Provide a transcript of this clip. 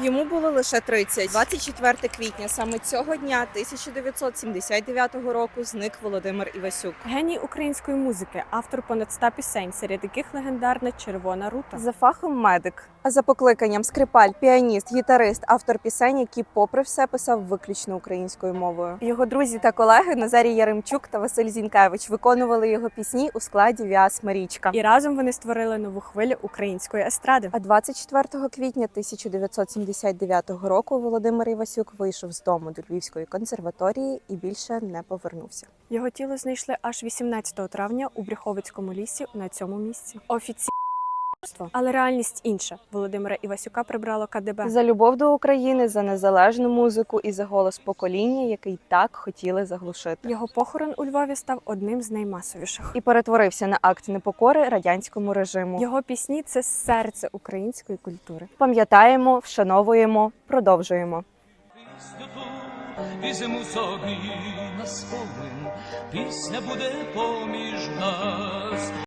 Йому було лише 30. 24 квітня саме цього дня 1979 року зник Володимир Івасюк. Геній української музики, автор понад 100 пісень, серед яких легендарна «Червона рута». За фахом медик, а за покликанням скрипаль, піаніст, гітарист, автор пісень, які попри все писав виключно українською мовою. Його друзі та колеги Назарій Яремчук та Василь Зінкевич виконували його пісні у складі Віас Марічка. І разом вони створили нову хвилю української естради. А 24 квітня 1979 року Володимир Івасюк вийшов з дому до Львівської консерваторії і більше не повернувся. Його тіло знайшли аж 18 травня у Брюховицькому лісі на цьому місці. Офіційно. Але реальність інша. Володимира Івасюка прибрало КДБ. За любов до України, за незалежну музику і за голос покоління, який так хотіли заглушити. Його похорон у Львові став одним з наймасовіших. І перетворився на акт непокори радянському режиму. Його пісні – це серце української культури. Пам'ятаємо, вшановуємо, продовжуємо. Візьму собі на спомин, пісня буде поміж нас.